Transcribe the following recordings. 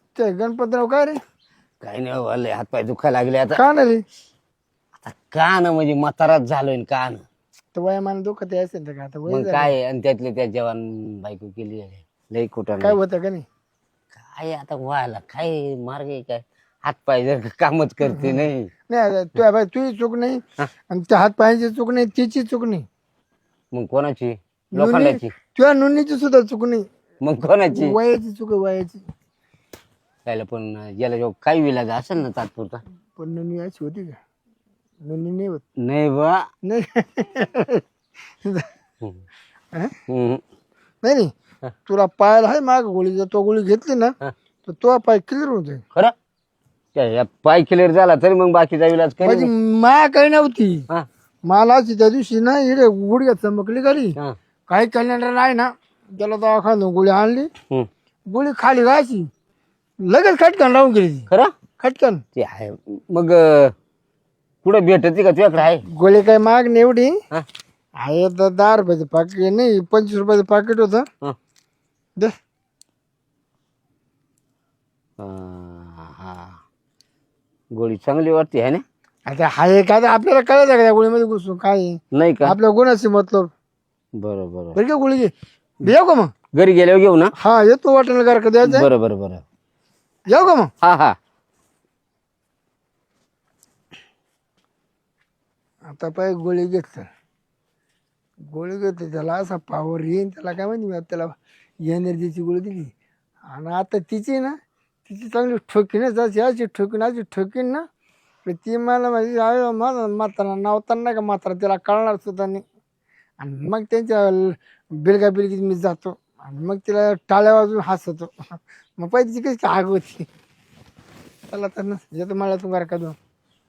ते गणपतराव काय रे? काही नाही वाले हातपाय दुखायला लागले आता. का ना रे? आता कान म्हणजे म्हाताराच झालोय न कान. तर वयामान दुखत असेल तर का आता वय मग झालं. काय आणि त्यातले त्या जवान बायको केली आहे. लई कुठं काय नाही. होतं का नाही? काय आता व्हायला काय मार्ग आहे काय? हातपाय जर कामच करते नाही. नाही तुझी चूक नाही हा? आणि त्या हात पायाची चूक नाही, तिची चूक नाही. मग कोणाची? नोंदणी लोखंडाची. तुझ्या नोंदणीची सुद्धा चूक नाही. मग कोणाची? वयाची चूक आहे, वयाची. त्याला पण याला जो काही विलाज असेल ना तात्पुरता. पण नोंदणी अशी होती का? नोंदणी नाही होत. नाही बा. नाही हम्म. हा? हम्म. नाही नाही. तुला पायाला आहे माग गोळी, जर तो गोळी घेतली ना हा. तर तो पाय क्लिअर होतोय. खरं त्या पाय क्लिअर झाला तरी मग बाकीचा विलाज माझी करेल. माया काही नव्हती. हा मला अशी त्या दिवशी ना इकडे गुडघ्यात चमकली घरी. हा. काही कॅलेंडर आहे ना, त्याला दवाखान्यात गोळी आणली, हम्म. गोळी खाली घायची, लगेच खटकन लावून गेली ती. खरं खटकन. ते आहे. मग कुठं भेटते का तुझ्याकडे आहे? गोळी काही माग नाही एवढी हा? आहे, तर 10 रुपयाचं पाकिट नाही, 25 रुपयाचं पाकिट होतं. हा. दे. हा. गोळी चांगली वाटते आहे ना? आता हाय काय, आपल्याला कळायचं का त्या गोळीमध्ये घुसून काय आहे? नाही का? आपल्या गुणाशी मतलब. बरं बरं. बरं का गोळी घे. येऊ का मग? घरी गेल्यावर घेऊ ना? हा येतो वाटेल का द्यायचं. बरं बरं बरं. येऊ का मग? हा हा. आता पाय गोळी घेतलं, गोळी घेतली, त्याला असा पावर येईन, त्याला काय माहिती, मी आता त्याला एनर्जीची गोळी दिली. आणि आता तिची ना, तिची चांगली ठोकीनच अशी ठोकीन, अशी ठोकीन ना, तर ती मला माझी आई माझा म्हातारा नावताना नाही का म्हातारा, त्याला कळणार सुद्धा नाही. आणि मग त्यांच्या बिलगा बिलगीत मी जातो आणि मग तिला टाळ्या वाजून हसतो. मग पाहिजे तिची कशी आग होती. त्याला तर ना येतो मला तुम्हाला का दोन.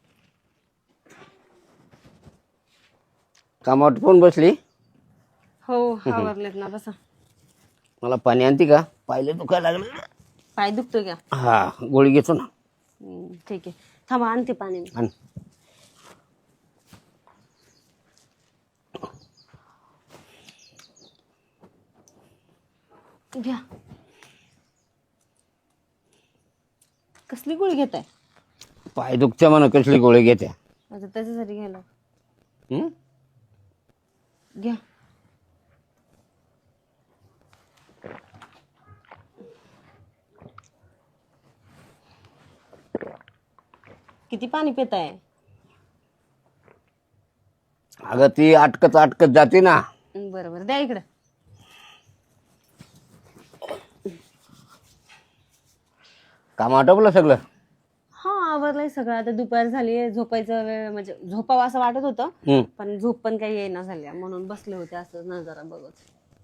कामावर कोण बसली? हो आवरलेत ना, बसा. मला पाणी आणते का? पाहिलं दुखायला लागलं. पाय दुखतोय का? हा गोळी घेतो ना. ठीक आहे, थांबा आणते पाणी. आण. घ्या. कसली गोळी घेताय? पाय दुखत्या म्हणा, कसली गोळी घेत्या? आता त्याच्यासाठी घ्यायला. हम्म? घ्या. किती पाणी पिताय? अगं ती अटकत अटकत जाते ना. बरं बरं, द्या इकडं. काम आटोपलं सगळं? हा आवरलंय सगळं. आता दुपार झाली, झोपायचं वेळ, म्हणजे झोपावं असं वाटत होतं, हम्म. पण झोप पण काही येईना झाल्या, म्हणून बसले होते असं नजारा बघत.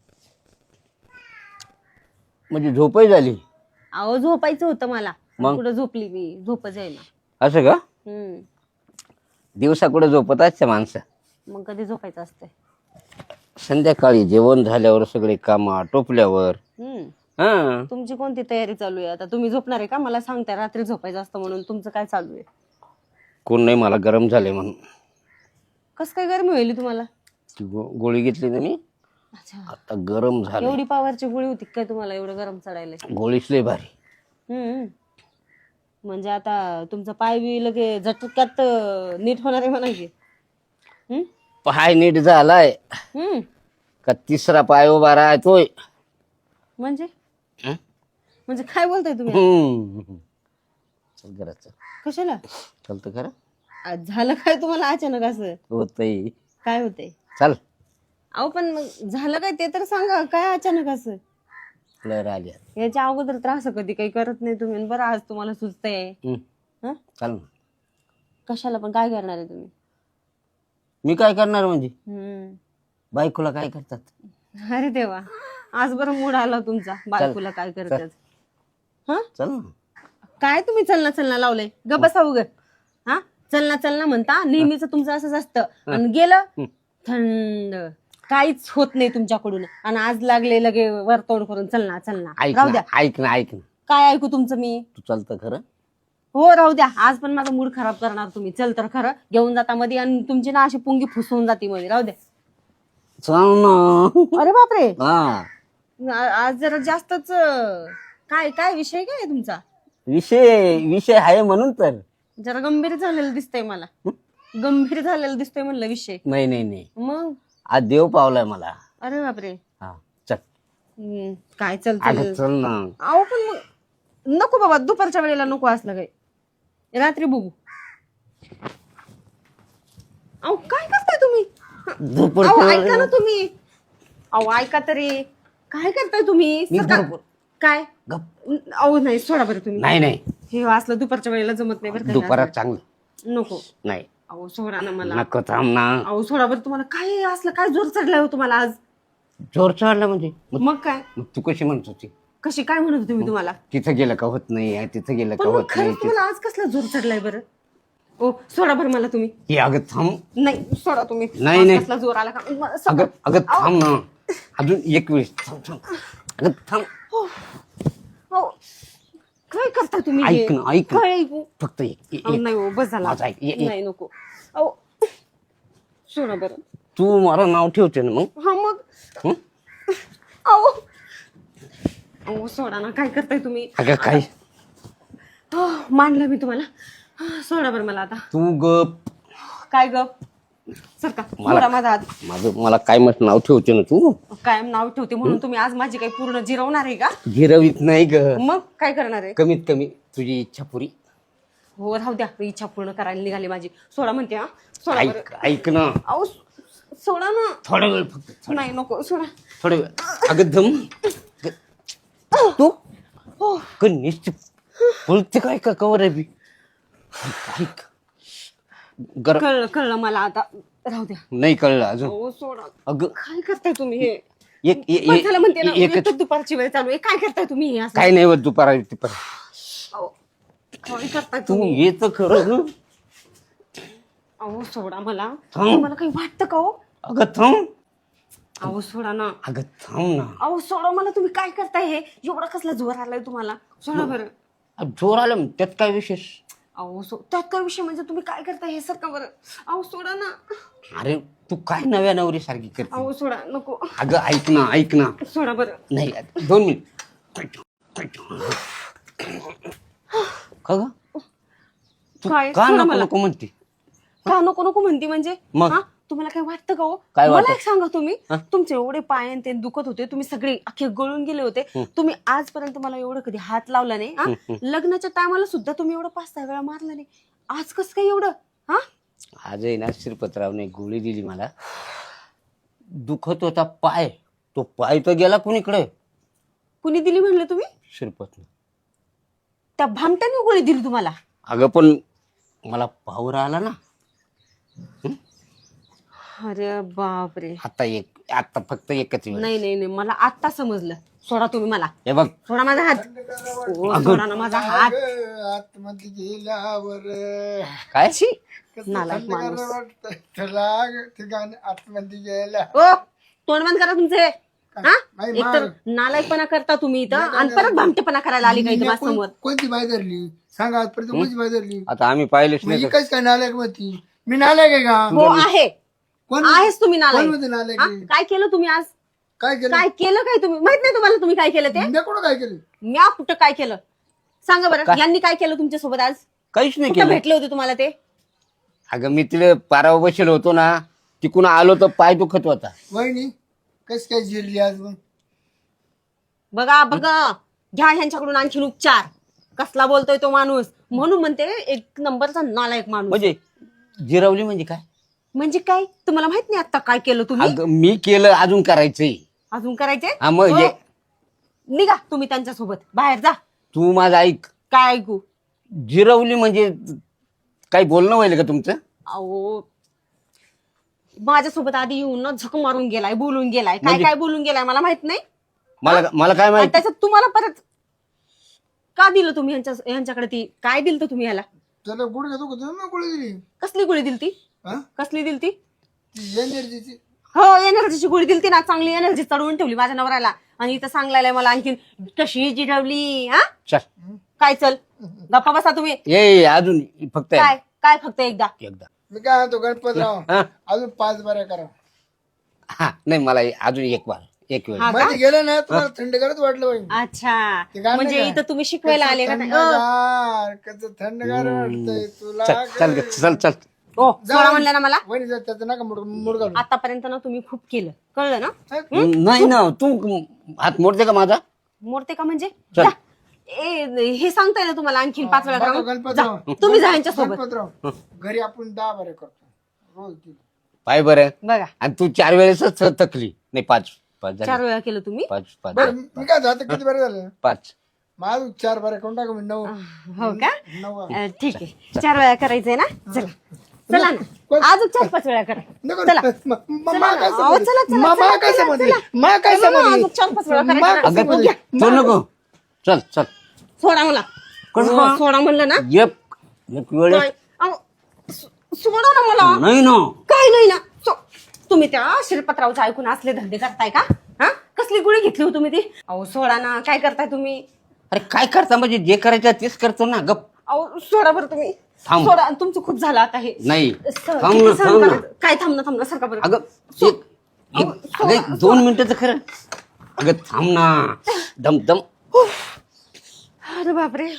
म्हणजे झोपही झाली? अहो झोपायचं होतं मला, मग? कुठं झोपली मी, झोपच येईना. असं का? हम्म. दिवसा कुठं झोपत असते माणसं? मग कधी झोपायचं असतंय? संध्याकाळी जेवण झाल्यावर, सगळे काम आटोपल्यावर. हम्म. हा. तुमची कोणती तयारी चालू आहे आता? तुम्ही झोपणार आहे का? मला सांगताय रात्री झोपायचं असतं म्हणून. तुमचं काय चालू आहे? कोण नाही, मला गरम झाले म्हणून. कस काय गरमी होईल तुम्हाला? ती गोळी घेतली ना मी, अच्छा, आता गरम झालं. एवढी पावरची गोळी होती काय तुम्हाला एवढं गरम चढायला? गोळीच लय भारी. हम्म. म्हणजे आता तुमचा पाय बी लगे झटक्यात नीट होणार आहे म्हणा की. हम्म. पाय नीट झालाय हम्म. का तिसरा पाय उभा राहतोय? म्हणजे हं? म्हणजे काय बोलताय तुम्ही? चल घरात चल. कशाला? चलतं खरं? आज झालं काय तुम्हाला अचानक असं? होतंय. काय होतंय? चल. अहो पण मग झालं काय ते तर सांगा, काय अचानक असं? लहर आली. याच्या अगोदर त्रास कधी काही करत नाही तुम्ही, बरं आज तुम्हाला सुचतंय. हं? चल ना. कशाला पण? काय करणार आहे तुम्ही? मी काय करणार म्हणजे? हम्म. बायकोला काय करतात? अरे देवा, आज बरं मूड आला तुमचा. बायकोला काय करतात? हा? चल ना. काय तुम्ही चलना चलना लावलंय? ग बसा उग. हा, चलना चलना म्हणता नेहमीच तुमचं असंच असतं. आणि गेलं थंड, काहीच होत नाही तुमच्याकडून. आणि आज लागले लगे वरतोड करून चलना चलना. ऐक राहू ना, द्या. ऐक ना, ऐक ना. काय ऐकू तुमचं मी? तू चलतं खरं? हो राहू द्या, आज पण माझा मूड खराब करणार तुम्ही. चल तर खरं घेऊन जाता मध्ये, आणि तुमची ना अशी पुंगी फुसवून जाती मध्ये. राहू द्या. चल ना. अरे बापरे, हा. आज जरा जास्तच. काय काय विषय काय आहे तुमचा? विषय विषय आहे म्हणून तर. जरा गंभीर झालेलं दिसतंय मला. गंभीर झालेलं दिसतोय म्हणलं विषय. नाही नाही नाही, मग आज देव पावलाय मला. अरे बापरे. हा चल. काय अगं चालतं. चल ना. अहो पण मग नको बाबा, दुपारच्या वेळेला नको असलं काही, रात्री बघू. अहो काय करताय तुम्ही? अहो ऐका ना तुम्ही. अहो ऐका तरी, काय करताय तुम्ही? काय? अहो नाही, सोडा बरं तुम्ही. नाही नाही, हे असलं दुपारच्या वेळेला जमत नाही बरं का. दुपारात चांगलं नको. नाही. अहो सोडा ना मला. नको, थांब ना. अहो सोडा बरं. तुम्हाला काय असलं, काय जोर चढलाय हो तुम्हाला आज? जोर चढला म्हणजे? मग काय? मग तू कशी म्हणत होती? कशी काय म्हणत होते मी तुम्हाला? तिथं गेलं का होत नाही, तिथं गेलं पण का मग होत नाही. खरंच तुम्हाला आज कसला जोर चढलाय बरं? ओ सोडा बरं मला तुम्ही. हे अगं थांब. नाही सोडा तुम्ही. नाही, आज नाही. कसला जोर आला का? अगं अगं थांब ना, अजून एक वेळेस थांब थांब. अगं थांब. अहो, काय करता तुम्ही हे? ऐक ना, ऐक ना. काय ऐकू? फक्त अहो, नाही हो, बस झाला. माझं ऐक. नाही नको. अहो सोडा बरं. तू मला नाव ठेवते ना मग. हा मग. हं? अहो अहो सोडा ना, काय करताय तुम्ही? अगं काय मांडलं मी तुम्हाला. सोडा बरं मला आता. तू गप. काय ग? सर का सोडा माझा हात. मला काय मत नाव ठेवते ना तू. कायम नाव ठेवते म्हणून तुम्ही आज माझी काही पूर्ण जिरवणार आहे का? गिरवीत नाही ग. मग काय करणार आहे? कमीत कमी तुझी इच्छा पुरी. हो राहू द्या, इच्छा पूर्ण करायला निघाली माझी. सोडा म्हणते. हा सोडा बरं. ऐक ऐक ना, अहो सोडा ना. थोडा वेळ फक्त. नाही नको, सोडा. थोडा वेळ. अगं धम. तू निश्चित बोलते काय का कवर आहे बी. ऐक गरम. कळलं मला आता. राहू द्या. नाही कळलं अजून. हो सोडा. अगं काय करताय तुम्ही हे? एक झालं म्हणते ना, एकच. एकच दुपारची वेळ चालू आहे. काय करताय तुम्ही हे असं? काय नाही होत दुपारा. अहो, काय करताय तू तुम्ही? येत खरं ना. अहो सोडा मला. थांब. तुम्हाला काही वाटतं का हो? अगं थांब. अहो सोडा ना. अगं थांब ना. अहो सोडा मला. तुम्ही काय करताय हे? एवढा कसला जोर आलाय तुम्हाला? सोडा बरं. जोर आलं मग त्यात काय विशेष? अहो त्यात काय विषय म्हणजे? तुम्ही काय करताय हे? सर का बरं. अहो सोडा ना. अरे तू काय नव्या नवरी सारखी करते. अहो सोडा. नको. अगं ऐक ना, ऐक ना. सोडा बरं. नाही 2 मिनिट. का ग? तू काय? का सोडा नको मला. नको म्हणते? का नको नको म्हणती म्हणजे? मग? हा? तुम्हाला काय वाटतं का हो? काय मला वाटतं? एक सांगा तुम्ही. हा? तुमचे एवढे पाय आणि ते दुखत होते, तुम्ही सगळे अख्खे गळून गेले होते. तुम्ही आजपर्यंत मला एवढं कधी हात लावला नाही. हा? लग्नाच्या टायमाला सुद्धा तुम्ही एवढं 5-6 वेळा मारला नाही. आज कसं काय एवढं? हा? आजही ना श्रीपतरावने गोळी दिली मला. दुखत होता पाय, तो पाय तर गेला कुणीकडे. कुणी दिली म्हणलं तुम्ही? श्रीपतने. त्या भामट्याने गोळी दिली तुम्हाला? अगं पण मला पावर आला ना. अरे बापरे. आता फक्त एकच वेळ. नाही नाही नाही, मला आत्ता समजलं. सोडा तुम्ही मला. हे बघ. सोडा माझा हात. ओ, सोडा ना माझा हात. आतमध्ये गेल्यावर काय? छी, नालायक माणूस. आतमध्ये गेल्या ओ तोंड बंद करा तुमचे. हा? नाही, एकतर नालायकपणा करता तुम्ही इथं आणि परत भामटेपणा करायला आली काही माझ्या समोर. कोणती बाई धरली सांगा? आजपर्यंत कोणती बाई धरली? आता आम्ही पाहिलेच नाही. म्हणजे काय नालायक मध्ये मी नालायक आहे का? हो आहे. कोण आहेच तुम्ही कोण नालायक. मध्ये नालायक हा? आहे? काय केलं तुम्ही आज? काय केलं? काय केलं काय तुम्ही? माहित नाही तुम्हाला तुम्ही काय केलं ते? मी कुठं काय केलं? म्या कुठं काय केलं? सांगा बरं. यांनी काय केलं तुमच्या सोबत आज? काहीच नाही कुठं केलं. भेटले होते तुम्हाला ते? अगं मी तिला पारावर बसेल होतो ना, तिकून आलो तर पाय दुखत होता. वहिनी कस काय जिरली आज मग? बघा बघा, घ्या ह्यांच्याकडून आणखीन उपचार. कसला बोलतोय तो माणूस. म्हणून म्हणते एक नंबरचा नालायक माणूस. म्हणजे जिरवली म्हणजे काय? म्हणजे काय? तुम्हाला माहित नाही आता काय केलं तुम्ही? अगं मी केलं, अजून करायचंय. अजून करायचे? हा मग हो. हे- निघा तुम्ही त्यांच्यासोबत बाहेर जा. तू माझं ऐक. काय ऐकू? जिरवली म्हणजे काही बोलणं व्हायला का तुमचं? अहो माझ्यासोबत आधी येऊन ना झक मारून गेलाय, बोलून गेलाय. काय म्हणजे? काय बोलून गेलाय मला माहित नाही. मला काय आणि माहिती? त्याच्यात तुम्हाला परत का दिलं तुम्ही यांच्याकडे? ती काय दिलं तुम्ही ह्याला? त्याला गुड घेतो का? मी गुड दिली. कसली गोळी दिलती? हा? कसली दिलती? ती एनर्जीची. हो एनर्जीची गोळी दिलती ना. चांगली एनर्जी चढवून ठेवली माझ्या नवऱ्याला. आणि इथं सांगायला मला आणखीन कशी जिरवली. हा? चल काय चल गप्पा बसा तुम्ही. ये अजून फक्त काय काय फक्त एकदा? एकदा. मी काय म्हणतो गणपतराव हा? अजून 5 बाऱ्या करा. हा नाही मला अजून एक बार एक वेळ हा का? मध्ये गेलं ना तुम्हाला थंडगारच वाटलं पाहिजे अच्छा ते गाणं म्हणजे काय? इथं तुम्ही शिकवायला आले का नाही? थंडगार कसं थंडगार वाटतंय तुला चल चल ग, चल चल ओ सोडा म्हणलं ना मला. वहिनी जा त्याचं नका मुड घालू. आतापर्यंत ना तुम्ही खूप केलं, कळलं ना? नाही ना तू हात मोडते का माझा? मोडते का म्हणजे? चल. जा. हे सांगताय ना तुम्हाला आणखीन 5 वेळा बघा करा. गणपतराव जा. तुम्ही जा यांच्या सोबत. गणपतराव घरी आपण 10 बारे करतो रोज ती. पाय बरं बघा आणि तू 4 वेळेसच थकली नाही 5 झाले. 4 वेळा केलं तुम्ही. 5 बरं मी काय जातं किती बरं झालं 5 माझं 4 बारे करून टाका मी 9 हो का? 9 ठीक आहे 4 वेळा करायचंय ना. चला चला ना अजून 4-5 वेळा करा. चला मा काय अहो, चला, चला, मा चला, काय चला, समजली चला. मा काय चला ना, समजली अजून 4-5 वेळा मा करायचं. काय अगं समजली? तू नको चल चल सोडा मला. कसं? सोडा म्हणलं ना. एक वेळेस काय? अहो, सोडा ना मला. नाही ना काय नाही ना. तुम्ही त्या शिरपतरावचं ऐकून असले धंदे करताय का? हा कसली गुळी घेतली हो तुम्ही ती? अहो सोडा ना. काय करताय तुम्ही? अरे काय करता म्हणजे जे करायचं तेच करतो ना गप अहो सोडा बरं तुम्ही. थांब. सोडा तुमचं खूप झालं आता हे. नाही सहन थांब ना सहन थांब ना करायचं. काय थांब ना सारखा बरं. अगं अगं एक 2 मिनिटाचं खरं अगं थांब ना दम दम अरे बापरे.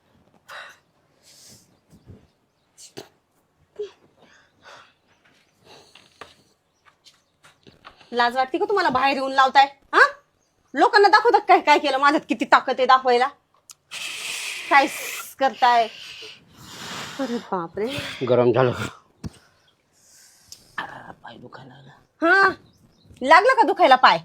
लाज वाटते का तुम्हाला बाहेर येऊन लावताय? हा लोकांना दाखवतात काय काय केलं माझ्यात किती ताकद आहे दाखवायला. काय करताय? अरे बापरे. गरम झालं पाय दुखायला लागला. हा लागला का दुखायला पाय?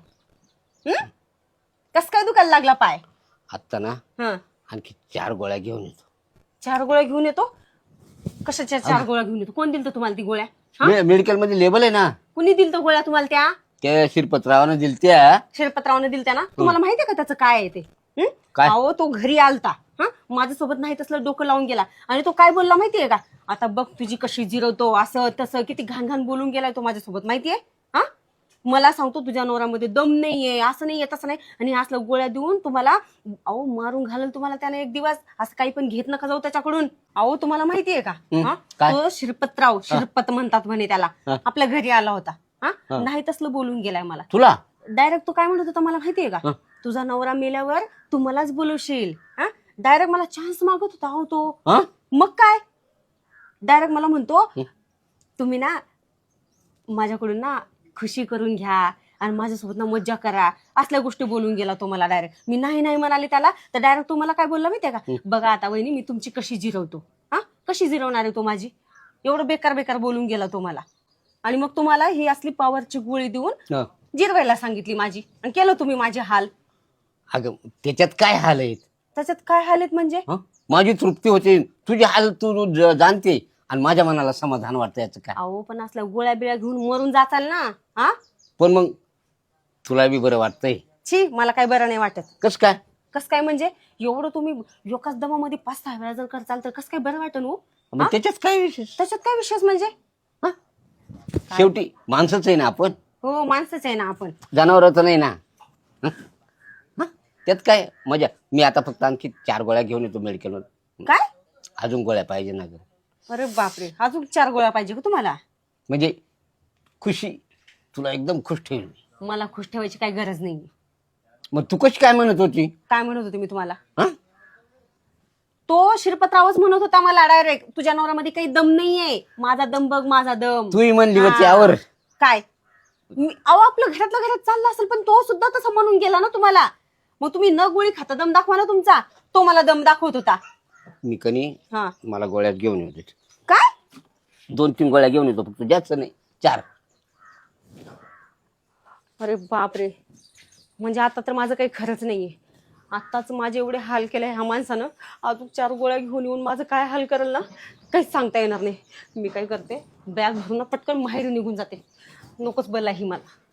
कस काय दुखायला लागला पाय? आत्ता ना हा आणखी 4 गोळ्या घेऊन येतो. 4 गोळ्या घेऊन येतो. कशाच्या 4 गोळ्या घेऊन येतो? कोण दिल तुम्हाला ती गोळ्या? मेडिकल मध्ये लेबल आहे ना कुणी दिल गोळ्या तुम्हाला त्या? त्या शिरपतरावानं दिल त्या शिरपतरावने दिल त्या ना. तुम्हाला माहितीये का त्याचं काय आहे ते? काय? अहो तो घरी आलता. हा माझ्यासोबत नाही तसलं डोकं लावून गेला आणि तो काय बोलला माहितीये का? आता बघ तुझी कशी जिरवतो असं तसं किती घाण घाण बोलून गेलाय तो माझ्यासोबत माहितीये. हा मला सांगतो तुझ्या नवऱ्यामध्ये दम नाहीये असं नाहीये तसं नाही आणि असलं गोळ्या देऊन तुम्हाला अहो मारून घालेल तुम्हाला त्याने एक दिवस. असं काही पण घेत नका जाऊ त्याच्याकडून. अहो तुम्हाला माहितीये का? हा काय? तो शिरपतराव शिरपत म्हणतात म्हणे त्याला. आपल्या घरी आला होता. हा नाही तसलं बोलून गेलाय मला. तुला डायरेक्ट तो काय म्हणत होता मला माहितीये का? तुझा नवरा मेल्यावर तू मलाच बोलवशील. हा डायरेक्ट मला चान्स मागत होता हो तो. मग काय डायरेक्ट मला म्हणतो तुम्ही ना माझ्याकडून ना खुशी करून घ्या आणि माझ्यासोबत ना मज्जा करा असल्या गोष्टी बोलून गेला तो मला डायरेक्ट. मी नाही नाही म्हणाले त्याला तर डायरेक्ट तो मला काय बोलला माहितीये का? बघा आता वहिनी मी तुमची कशी जिरवतो. हा कशी जिरवणार आहे तो माझी? एवढं बेकार बेकार बोलून गेला तो मला. आणि मग तुम्हाला ही असली पॉवरची गोळी देऊन जिरवायला सांगितली माझी आणि केलं तुम्ही माझे हाल. अगं त्याच्यात काय हाल आहेत? त्याच्यात काय हाल आहेत म्हणजे? माझी तृप्ती होते तुझी हाल तू जाणते आणि माझ्या मनाला समाधान वाटतं याचं काय. अहो पण असल्या गोळ्या बिळ्या घेऊन मरून जाचाल ना. हा पण मग तुला बी बरं वाटतंय? छी मला काय बरं नाही वाटत. कस काय? कस काय म्हणजे एवढं तुम्ही एकाच दमामध्ये 5-6 वेळा जर करचाल तर कस काय बरं वाटन हो? मग त्याच्यात काय विशेष? त्याच्यात काय विशेष म्हणजे? शेवटी माणसंच आहे ना आपण. हो माणसंच आहे ना आपण. जनावरच नाही ना. त्यात काय मजा. मी आता फक्त आणखी 4 गोळ्या घेऊन येतो मेडिकल मध्ये. काय? अजून गोळ्या पाहिजे ना ग. अरे बापरे अजून 4 गोळ्या पाहिजे का तुम्हाला? म्हणजे खुशी तुला एकदम खुश ठेवली. मला खुश ठेवायची काही गरज नाही. मग तू कशी काय म्हणत होती? काय म्हणत होते मी तुम्हाला? तो शिरपतरावच म्हणत होता मला डायरेक्ट तुझ्या नवऱ्यामध्ये काही दम नाहीये. माझा दम बघ माझा दम. तूही म्हणली होती यावर. काय अहो आपलं घरातल्या घरात चाललं असेल पण तो सुद्धा तसं म्हणून गेला ना तुम्हाला. मग तुम्ही न गोळी खाता दम दाखवा ना तुमचा. तो मला दम दाखवत होता. मी कनी मला गोळ्यात घेऊन येतो. काय? 2-3 गोळ्या घेऊन येतो फक्त जास्त नाही 4. अरे बापरे म्हणजे आता तर माझं काही खरंच नाहीये. आत्ताच माझे एवढे हाल केले ह्या माणसानं. अजून 4 गोळ्या घेऊन येऊन माझं काय हाल करेल ना काहीच सांगता येणार नाही. मी काय करते बॅग भरून पटकन माहेरी निघून जाते. नकोच बोलला ही मला.